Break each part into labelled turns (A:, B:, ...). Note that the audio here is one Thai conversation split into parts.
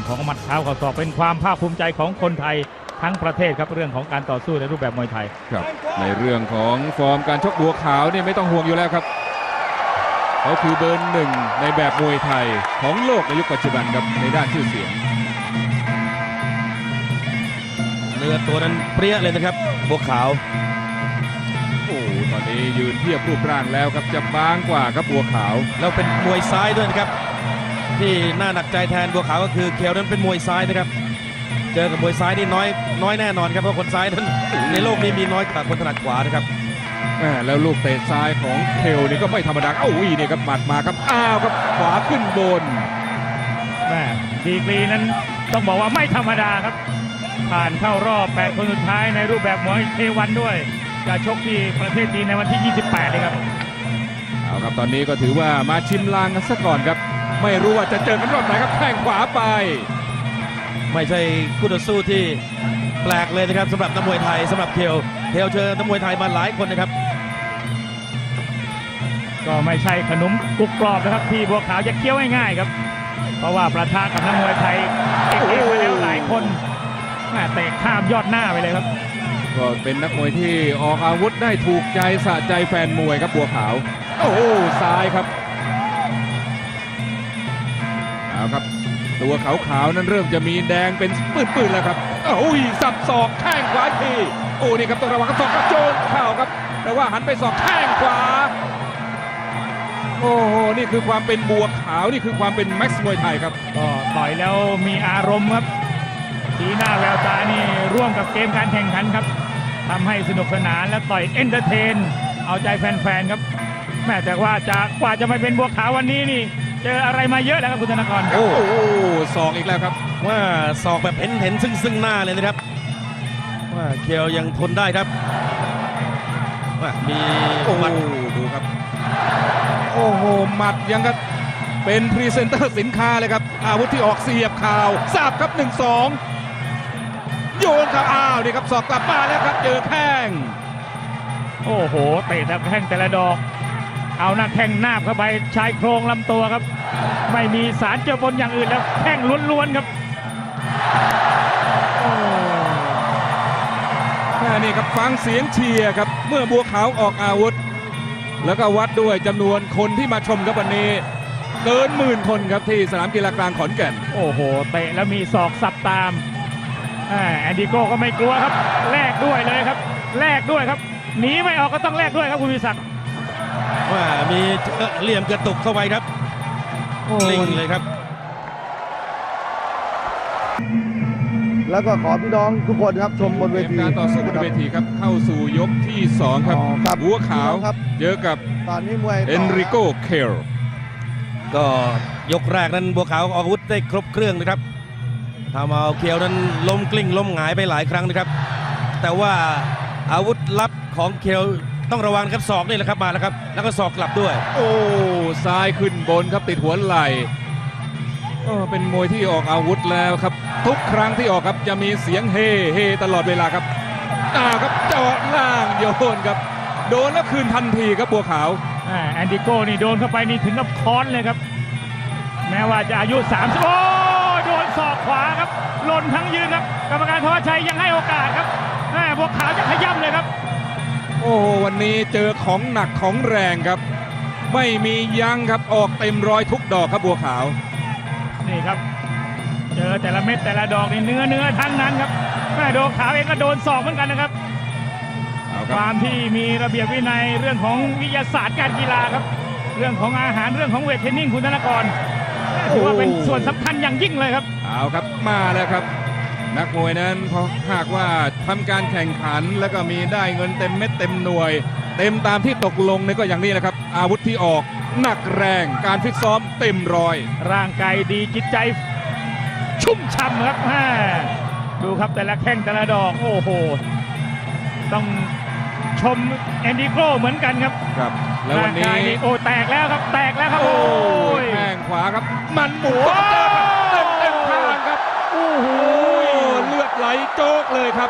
A: ของหมัดเท้าเข่าศอกเป็นความภาคภูมิใจของคนไทยทั้งประเทศครับเรื่องของการต่อสู้ในรูปแบบมวยไทย
B: ครับในเรื่องของฟอร์มการชกบัวขาวนี่ไม่ต้องห่วงอยู่แล้วครับเขาคือเบอร์หนึ่งในแบบมวยไทยของโลกในยุคปัจจุบันครับในด้านชื่อเสียง
C: เนื้อตัวนั้นเปรี้ยเลยนะครับบัวขาว
B: โอ้ตอนนี้ยืนเทียบรูปร่างแล้วครับจะบางกว่าครับบัวขาว
C: แล้วเป็นมวยซ้ายด้วยนะครับที่น่าหนักใจแทนบัวขาวก็คือเคลนั้นเป็นมวยซ้ายนะครับเจอกับมวยซ้ายนี่น้อยแน่นอนครับเพราะคนซ้ายนั้นในโลกนี้มีน้อยกว่าคนถนัดขวานะครับ
B: แล้วลูกเตะซ้ายของเคลนี่ก็ไม่ธรรมดานี่ครับหมัดมาครับครับขวาขึ้นบน
A: ดีกรีนั้นต้องบอกว่าไม่ธรรมดาครับผ่านเข้ารอบ8คนสุดท้ายในรูปแบบมวยเทวันด้วยจะชกที่ประเทศจีนในวันที่28เลยครับ
B: เอาครับตอนนี้ก็ถือว่ามาชิมลางกันซะก่อนครับไม่รู้ว่าจะเจอกันรอบไหนครับแข้งขวาไป
C: ไม่ใช่คู่ต่อสู้ที่แปลกเลยนะครับสำหรับนักมวยไทยสำหรับเคลเจอนักมวยไทยมาหลายคนนะครับ
A: ก็ไม่ใช่ขนมกรุบกรอบนะครับที่บัวขาวจะเคี้ยวง่ายๆครับเพราะว่าประทะกับนักมวยไทยเก่งๆมาแล้วหลายคนเตะข้ามยอดหน้าไปเลยครับ
B: ก็เป็นนักมวยที่ออกอาวุธได้ถูกใจสะใจแฟนมวยครับบัวขาวซ้ายครับเอาครับตัวขาวๆนั้นเริ่มจะมีแดงเป็นปื้นๆแล้วครับสับศอกแข้งขวาทีนี่ครับต้องระวังศอกกระโจนเข่าครับแต่ว่าหันไปศอกแข้งขวานี่คือความเป็นบัวขาวนี่คือความเป็นแม็กซ์มวยไทยครับ
A: ก็ต่อยแล้วมีอารมณ์ครับสีหน้าแววตานี่ร่วมกับเกมการแข่งขันครับทำให้สนุกสนานและต่อยเอนเตอร์เทนเอาใจแฟนๆครับแต่ว่ากว่าจะมาเป็นบัวขาววันนี้นี่เจออะไรมาเยอะแล้วครับคุณธนากร
B: ศอกอีกแล้วครับ
C: ว่าศอกแบบเห็นซึ่งหน้าเลยนะครับว่าเคลยังทนได้ครับว่ามี
B: หมัดดูครับหมัดยังก็เป็นพรีเซนเตอร์สินค้าเลยครับอาวุธที่ออกเสียบข่าวสับครับ 1-2 โยนครับนี่ครับศอกกลับมาแล้วครับเจอแข้ง
A: เตะแต่แข้งแต่ละดอกเอาหน้าแข้งนาบเข้าไปชายโครงลำตัวครับไม่มีสารเจือปนอย่างอื่นแล้วแข้งล้วนๆครับ
B: นี่ครับฟังเสียงเชียร์ครับเมื่อบัวขาวออกอาวุธแล้วก็วัดด้วยจำนวนคนที่มาชมครับวันนี้เกิน10,000 คนครับที่สนามกีฬากลางขอนแก่น
A: เตะแล้วมีศอกสับตามแอนดิโก้ก็ไม่กลัวครับแลกด้วยเลยครับแลกด้วยครับหนีไม่ออกก็ต้องแลกด้วยครับคุณวิศักดิ์
C: ว่ามีเหลี่ยมกระตุกเข้าไปครับกลิ้งเลยครับ
D: แล้วก็ขอพี่น้องทุกคนครับชมบนเวที
B: การต่อสู้บนเวทีครับเข้าสู่ยกที่2ครับบัวขาวเจอกับ
D: ตอนนี้มวย
B: เอนริโกเคล
C: ก็ยกแรกนั้นบัวขาวออกอาวุธได้ครบเครื่องนะครับทำเอาเคลนั้นล้มกลิ้งล้มหงายไปหลายครั้งนะครับแต่ว่าอาวุธลับของเคลต้องระวังครับศอกนี่แหละครับมาแล้วครับแล้วก็ศอกกลับด้วย
B: ซ้ายขึ้นบนครับติดหัวไหล่เป็นมวยที่ออกอาวุธแล้วครับทุกครั้งที่ออกครับจะมีเสียงเฮตลอดเวลาครับครับเจาะล่างโยนครับโดนแล้วคืนทันทีครับบัวขาว
A: แอนดิโก้นี่โดนเข้าไปนี่ถึงกับค้อนเลยครับแม้ว่าจะอายุ30โดนศอกขวาครับหล่นทั้งยืนครับกรรมการธวัชชัยยังให้โอกาสครับบัวขาวจะขย้ำเลยครับ
B: วันนี้เจอของหนักของแรงครับไม่มียั้งครับออกเต็มร้อยทุกดอกครับบัวขาว
A: นี่ครับเจอแต่ละเม็ดแต่ละดอกนี่เนื้อทั้งนั้นครับโดนขาวเองก็โดนศอกเหมือนกันนะครับความที่มีระเบียบวินัยเรื่องของวิทยาศาสตร์การกีฬาครับเรื่องของอาหารเรื่องของเวทเทรนนิ่งคุณธนากรถือว่าเป็นส่วนสำคัญอย่างยิ่งเลยครับ
B: เอาครับมาแล้วครับนักมวยนั้นพอหากว่าทำการแข่งขันแล้วก็มีได้เงินเต็มเม็ดเต็มหน่วยเต็มตามที่ตกลงนี่ก็อย่างนี้นะครับอาวุธที่ออกหนักแรงการฟิตซ้อมเต็มร้อย
A: ร่างกายดีจิตใจชุ่มฉ่ำครับดูครับแต่ละแข้งแต่ละดอกต้องชมแอนดิโก้เหมือนกันครับ
B: แล้ววันนี้
A: แตกแล้วครับแตกแล้วครับ
B: แข้งขวาครับมันหมุนเต็มทางครับเลือดไหลโจกเลยครับ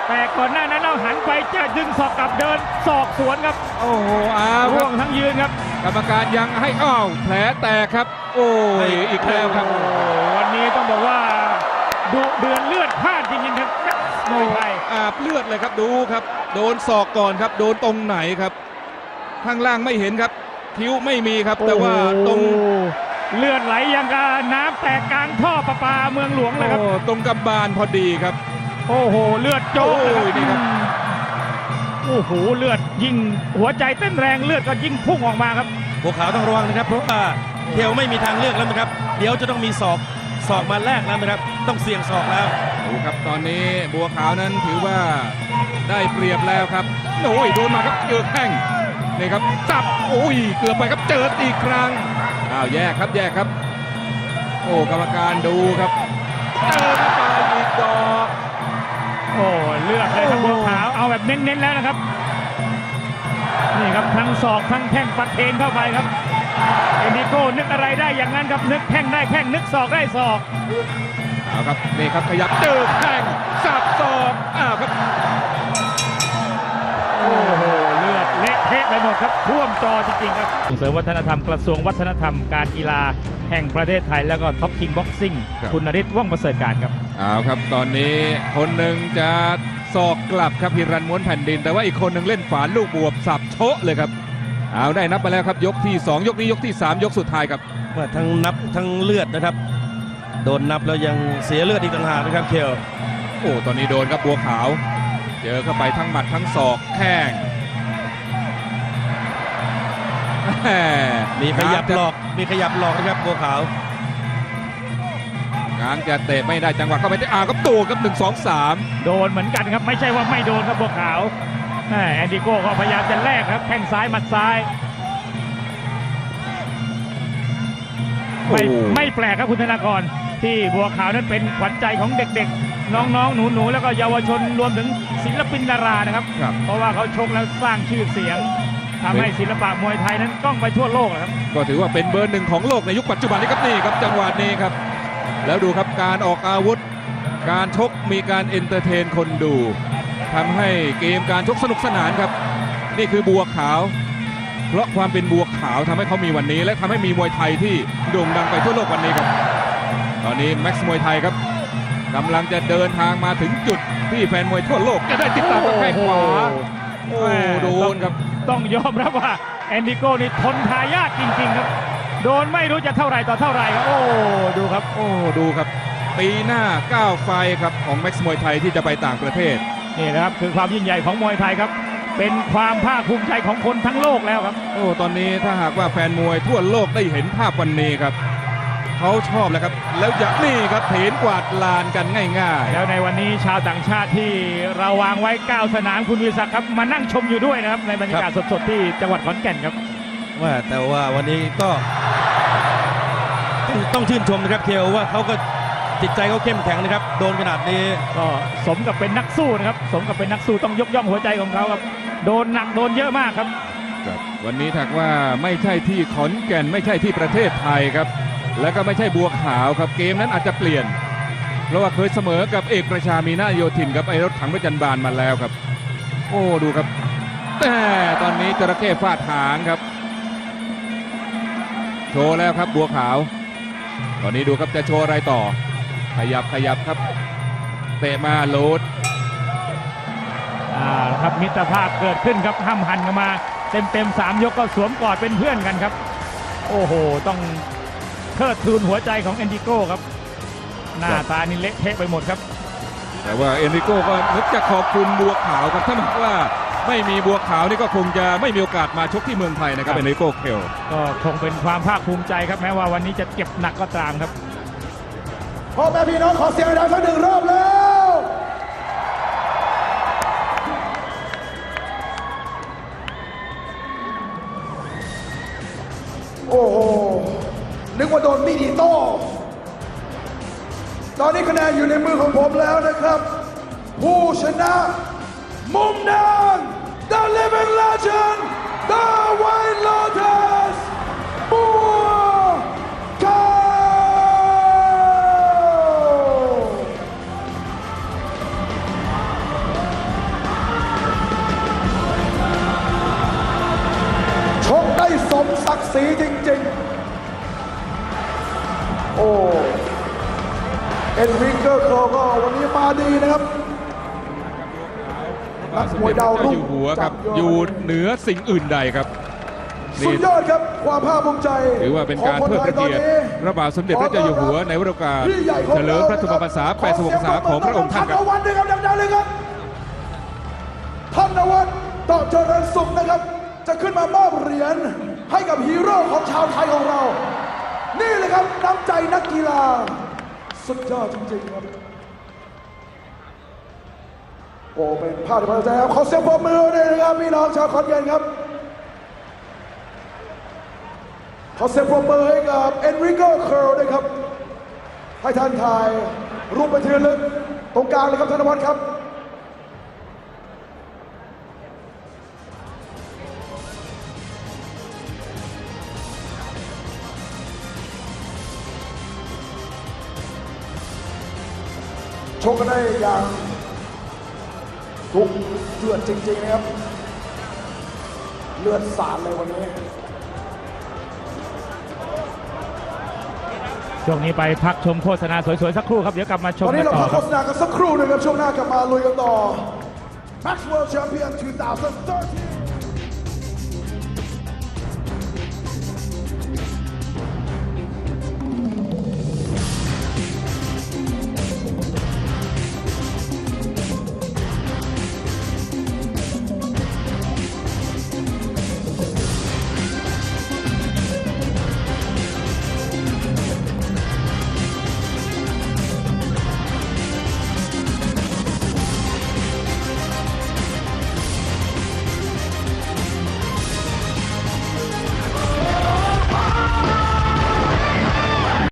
A: แต่ก่อนหน้านั้นเราหันไปจะดึงศอกกลับเดินศอกสวนครับ
B: โอ้โหอ้าวค
A: ร่
B: รั
A: ว
B: บ
A: งทั้งยืนครับ
B: กรรมการยังให้อ้าวแผลแตกครับ โอ้ยอีกแล้วครับ
A: โอ้วันนี้ต้องบอกว่าดุเดือนเลือดพล่านจริงๆครับมวยไทย
B: อาบเลือดเลยครับดูครับ โดนศอกก่อนครับ โดนตรงไหนครับ ข้างล่างไม่เห็นครับ คิ้วไม่มีครับ แต่ว่าตรง
A: โอ้เลือดไหลอย่างกับน้ำแตกกลางท่อประปาเมืองหลวงเลยครับ
B: โอ้ตรงกำบาลพอดีครับ
A: โอ้โหเลือดโจ๊กเลย
B: โอ้ยนี่ครับ
A: โอ้โหเลือดยิ่งหัวใจเต้นแรงเลือดก็ยิ่งพุ่งออกมาครับ
C: บัวขาวต้องระวังนะครับเพราะว่าเคลไม่มีทางเลือกแล้วนะครับเดี๋ยวจะต้องมีศอกมาแลกแล้วนะครับต้องเสี่ยงศอกแล้ว
B: ดูครับตอนนี้บัวขาวนั้นถือว่าได้เปรียบแล้วครับโอ้ยโดนมาครับเจอแข้งนี่ครับจับโอ้ยเกือบไปครับเจออีกครั้งอ้าวแยกครับแยกครับ โอ้กรรมการดูครับเจอเข้าไปอีกดอก
A: โอ้เลือดเลยครับบัวขาวเอาแบบเน้นๆแล้วนะครับนี่ครับทั้งศอกทั้งแข้งปัดเทนเข้าไปครับเอ็นดิโก้นึกอะไรได้อย่างนั้นครับนึกแข้งได้แข้งนึกศอกได้ศอก
B: เอาครับนี่ครับขยับเจอแข้งสับศอกอ้าวครับ
A: โอ้โหเลือดเละเทะไปหมดครับท่วมจอจริงๆครับส่งเสริมวัฒนธรรมกระทรวงวัฒนธรรมการกีฬาแห่งประเทศไทยแล้วก็ท็อปคิงบ็อกซิ่งคุณนฤทธิ์ว่องประเสริฐการครับ
B: เอาครับตอนนี้คนหนึ่งจะศอกกลับครับพิรันม้วนแผ่นดิน แต่ว่าอีกคนหนึ่งเล่นฝานลูกบวบสับโชะเลยครับเอาได้นับไปแล้วครับยกที่ 2 ยกนี้ยกที่ 3 ยกสุดท้ายครับ
C: ว่าทั้งนับทั้งเลือดนะครับ โดนนับแล้วยังเสียเลือดอีกต่างหากนะครับเคล
B: โอ้ตอนนี้โดนครับบัวขาว เจอเข้าไปทั้งหมัดทั้งศอกแข้งแห
C: มีขยับหลอกนะครับบัวขาว
B: งางจะเตะไม่ได้จังหวะเข้าไปที่ครับตูครับ1 2 3
A: โดนเหมือนกันครับไม่ใช่ว่าไม่โดนครับบัวขาวแอนดิโก้ก็พยายามจะแลกครับแข้งซ้ายหมัดซ้ายไม่แปลกครับคุณธนากรที่บัวขาวนั้นเป็นขวัญใจของเด็กๆ น้องๆหนูๆแล้วก็เยาวชนรวมถึงศิลปินดารานะครับ
B: ครับ
A: เพราะว่าเขาชกแล้วสร้างชื่อเสียงทำให้ศิลปะมวยไทยนั้นก้องไปทั่วโลกนะครับ
B: ก็ถือว่าเป็นเบอร์หนึ่งของโลกในยุคปัจจุบันนี้ครับนี่ครับจังหวะนี้ครับ แล้วดูครับการออกอาวุธ การชกมีการเอนเตอร์เทนคนดูทำให้เกมการชกสนุกสนานครับ นี่คือบัวขาว เพราะความเป็นบัวขาวทำให้เขามีวันนี้ และทำให้มีมวยไทยที่โด่งดังไปทั่วโลกวันนี้ครับ ตอนนี้แม็กซ์มวยไทยครับกำลังจะเดินทางมาถึงจุดที่แฟนมวยทั่วโลกจะได้ติดตามกับแข้งขวาโอ้โดนครับ
A: ต้องยอมรับว่าแอนดิโก้นี่ทนทายาทจริงๆครับ โดนไม่รู้จะเท่าไหร่ต่อเท่าไหร่ครับโอ้ดูครับ
B: โอ้ดูครับปีหน้า9ไฟล์ครับของแม็กซ์มวยไทยที่จะไปต่างประเทศ
A: นี่นะครับคือความยิ่งใหญ่ของมวยไทยครับ เป็นความภาคภูมิใจของคนทั้งโลกแล้วครับ
B: โอ้ตอนนี้ถ้าหากว่าแฟนมวยทั่วโลกได้เห็นภาพวันนี้ครับเขาชอบแล้วครับ แล้วอย่างนี่ครับเห็นกวาดลานกันง่าย
A: แล้วในวันนี้ชาวต่างชาติที่เราวางไว้ 9 สนามคุณวิศักดิ์ครับมานั่งชมอยู่ด้วยนะครับในบรรยากาศสดๆที่จังหวัดขอนแก่นครับ
C: ว่าแต่ว่าวันนี้ก็ต้องชื่นชมนะครับเคลว่าเขาก็จิตใจเขาเข้มแข็งนะครับโดนขนาดนี้
A: ก็สมกับเป็นนักสู้นะครับสมกับเป็นนักสู้ต้องยกย่องหัวใจของเขาครับโดนหนักโดนเยอะมากครับ
B: ๆครับวันนี้ถ้าว่าไม่ใช่ที่ขอนแก่นไม่ใช่ที่ประเทศไทยครับแล้วก็ไม่ใช่บัวขาวครับเกมนั้นอาจจะเปลี่ยน เพราะว่าเคยเสมอกับเอกประชามีนาโยธินกับไอรถถังประจันบานมาแล้วครับ โอ้ดูครับแต่ตอนนี้จระเข้ฟาดหางครับ โชว์แล้วครับบัวขาว ตอนนี้ดูครับจะโชว์อะไรต่อ ขยับครับเตะมาโหลด
A: ครับมิตรภาพเกิดขึ้นครับห้ามหันกันมาเต็ม3 ยกก็สวมกอดเป็นเพื่อนกันครับ โอ้โหต้องเทิดทูนหัวใจของเอนดิโก้ครับหน้าตานี่เละเทะไปหมดครับ
B: แต่ว่าเอนริโก้ก็นึกจะขอบคุณบัวขาวครับถ้าหากว่าไม่มีบัวขาวนี่ก็คงจะไม่มีโอกาสมาชกที่เมืองไทยนะครับเอนริโก้เคล
A: ก็คงเป็นความภาคภูมิใจครับแม้ว่าวันนี้จะเจ็บหนักก็ตามครับ
D: พ่อแม่พี่น้องขอเสียงดังสักหนึ่งรอบแล้ว โอ้โห นึกว่าโดนมีดอิโต้ ตอนนี้คะแนนอยู่ในมือของผมแล้วนะครับ ผู้ชนะมุมแดง The Living Legend The White Lotus บัวขาวเอ็นริกเกอร์โคก็วันนี้มาดีนะครับ
B: พระบาทสมเด็จพระเจ้าอยู่หัวครับอยู่เหนือสิ่งอื่นใดครับ
D: สุดยอดครับความภาคภูมิใจ
B: ถือว่าเป็นการเทิดพระเกียรติพระบาทสมเด็จพระเจ้าอยู่หัวในวโอกาสเฉลิมพระชนมพรรษา86 พรรษาของพระองค์ท่านครับ
D: ธนวัฒน์นะครับดังๆเลยครับธนวัฒน์ต่อเจริญสุขนะครับ จะขึ้นมามอบเหรียญให้กับฮีโร่ของชาวไทยของเรา นี่เลยครับน้ำใจนักกีฬา สุดยอดจริงๆครับ โอ้เป็นภาพที่ประทับใจครับขอเสียงปรบมือด้วยนะครับพี่น้องชาวขอนแก่นครับ ขอเสียงปรบมือให้กับเอ็นริโกเคิร์ลด้วยครับ ให้ท่านถ่ายรูปไปทีละลึกตรงกลางเลยครับธนวัฒน์ครับ ชกกันได้อย่างทุกเดือดจริงๆนะครับ เลือดสาดเลยวันนี้
A: ช่วงนี้ไปพักชมโฆษณาสวยๆสักครู่ครับ เดี๋ยวกลับมาชม
D: ตอน
A: กั
D: นี้
A: น
D: เรา
A: ต่อ
D: พัก
A: ค
D: โฆ
A: รับ
D: ษณากันสักครู่หนึงครับช่วงหน้ากลับมาลุยกันต่อ Max World Champion 2013